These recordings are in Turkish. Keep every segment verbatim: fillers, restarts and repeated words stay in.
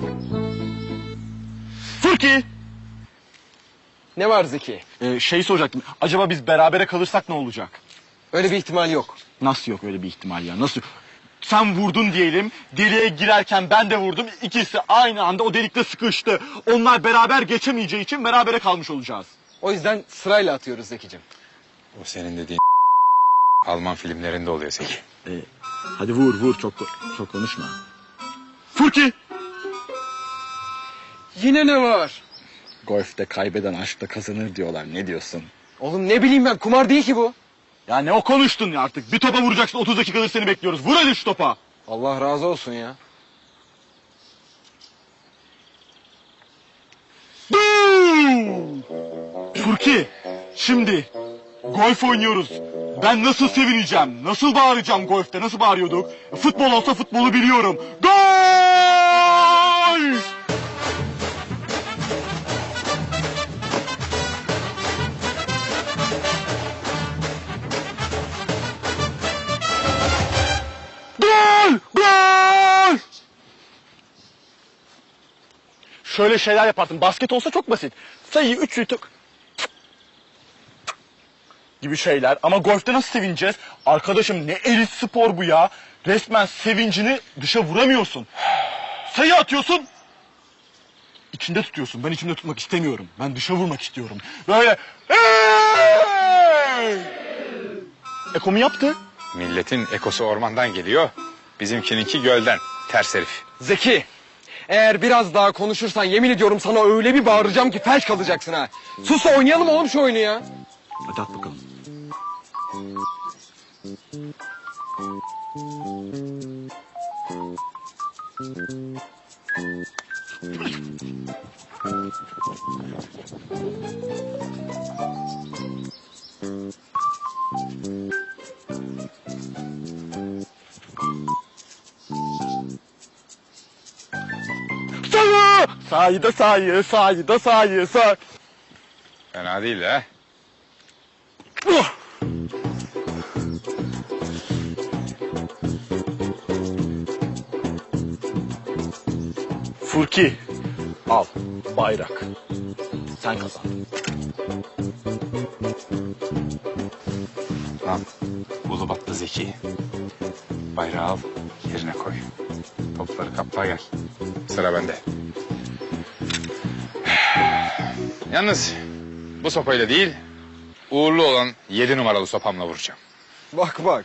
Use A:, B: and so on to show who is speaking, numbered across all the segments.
A: Furki!
B: Ne var Zeki?
A: Ee, şey soracaktım. Acaba biz berabere kalırsak ne olacak?
B: Öyle bir ihtimal yok.
A: Nasıl yok öyle bir ihtimal ya? Nasıl? Sen vurdun diyelim. Deliğe girerken ben de vurdum. İkisi aynı anda o delikte sıkıştı. Onlar beraber geçemeyeceği için berabere kalmış olacağız.
B: O yüzden sırayla atıyoruz Zeki'cim.
C: O senin dediğin Alman filmlerinde oluyor Zeki.
A: Ee, hadi vur vur çok çok konuşma. Furki!
B: Yine ne var?
A: Golf'te kaybeden aşkta kazanır diyorlar. Ne diyorsun?
B: Oğlum ne bileyim ben, kumar değil ki bu.
A: Ya ne o konuştun ya artık. Bir topa vuracaksın, otuz dakikadır seni bekliyoruz. Vur hadi şu topa.
B: Allah razı olsun ya.
A: Furki, şimdi golf oynuyoruz. Ben nasıl sevineceğim, nasıl bağıracağım golfte, nasıl bağırıyorduk? Futbol olsa futbolu biliyorum. Gol! Gol! Gol! Şöyle şeyler yaparsın. Basket olsa çok basit. Sayıyı üç yutuk gibi şeyler. Ama golfte nasıl sevineceğiz? Arkadaşım ne elit spor bu ya. Resmen sevincini dışa vuramıyorsun. Sayı atıyorsun. İçinde tutuyorsun. Ben içimde tutmak istemiyorum. Ben dışa vurmak istiyorum. Böyle. Hey! Eko mu yaptı?
C: Milletin ekosu ormandan geliyor. Bizimkininki gölden. Ters herif.
B: Zeki, eğer biraz daha konuşursan yemin ediyorum sana öyle bir bağıracağım ki felç kalacaksın ha. Sus da oynayalım oğlum şu oyunu ya.
A: Hadi at bakalım. Sayı! Sayıda sayı, sayıda sayı, say.
C: Fena değil ha.
A: Uh! Furki, al bayrak. Sen kazandın.
C: Lan Ulubatlı Zeki. Bayrağı al, yerine koy. Topları kapla gel. Sıra bende. Yalnız bu sopayla değil, uğurlu olan yedi numaralı sopamla vuracağım.
B: Bak bak.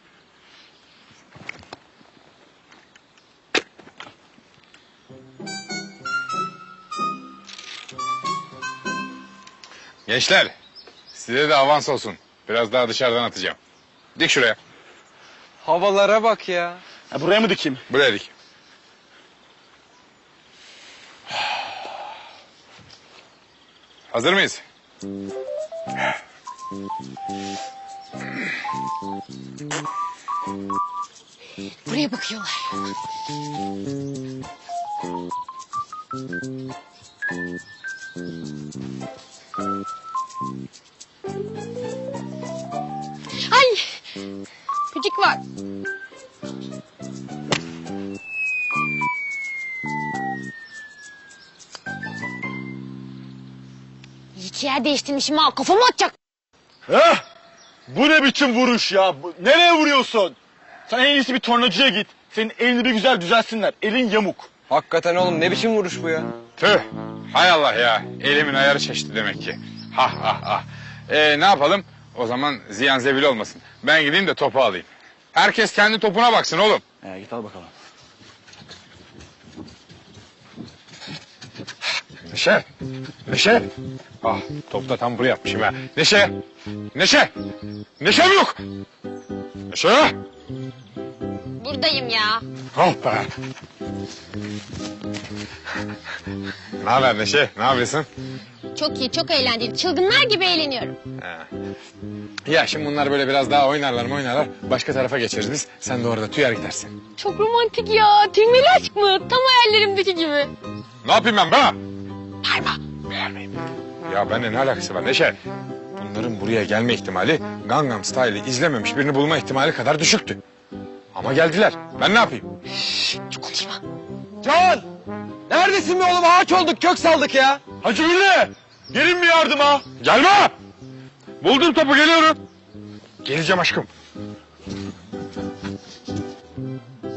C: Gençler, size de avans olsun. Biraz daha dışarıdan atacağım. Dik şuraya.
B: Havalara bak ya.
A: Ha, buraya mı dikeyim?
C: Buraya dik. Hazır mıyız?
D: Buraya bakıyorlar. Ay! Küçük var. İki yer değiştirmişim ha. Kafamı atacak.
A: Heh! Bu ne biçim vuruş ya? Bu- nereye vuruyorsun? Sen en iyisi bir tornacıya git. Senin elini bir güzel düzelsinler. Elin yamuk.
B: Hakikaten oğlum ne biçim vuruş bu ya?
C: Tüh. Hay Allah ya. Elimin ayarı şaştı demek ki. Ha ha ha. Ee, ne yapalım? O zaman ziyan zebil olmasın. Ben gideyim de topu alayım. Herkes kendi topuna baksın oğlum.
A: Ee, git al bakalım.
C: Neşe. Neşe. Ah top da tam buraya atmışım ha. Neşe. Neşe. Neşe mi yok? Neşe.
D: Buradayım ya.
C: Oh be. Ne haber Neşe? Ne yapıyorsun?
D: Çok iyi, çok eğlenceli. Çılgınlar gibi eğleniyorum.
C: Ha. Ya şimdi bunlar böyle biraz daha oynarlar mı oynarlar. Başka tarafa geçeriz biz. Sen de orada tüyer gidersin.
D: Çok romantik ya. Tüymeli aşk mı? Tam hayallerimdeki gibi.
C: Ne yapayım ben be? Bağırma. Bağırmayayım. Ya benimle ne alakası var Neşe? Bunların buraya gelme ihtimali Gangnam Style'ı izlememiş birini bulma ihtimali kadar düşüktü. Ama geldiler. Ben ne yapayım?
D: Çok konuşma.
A: Can!
B: Neredesin be oğlum? Ağaç olduk, kök saldık ya.
A: Hacı Ünlü! Gelin mi yardıma?
C: Gelme! Buldum topu, geliyorum. Geleceğim aşkım.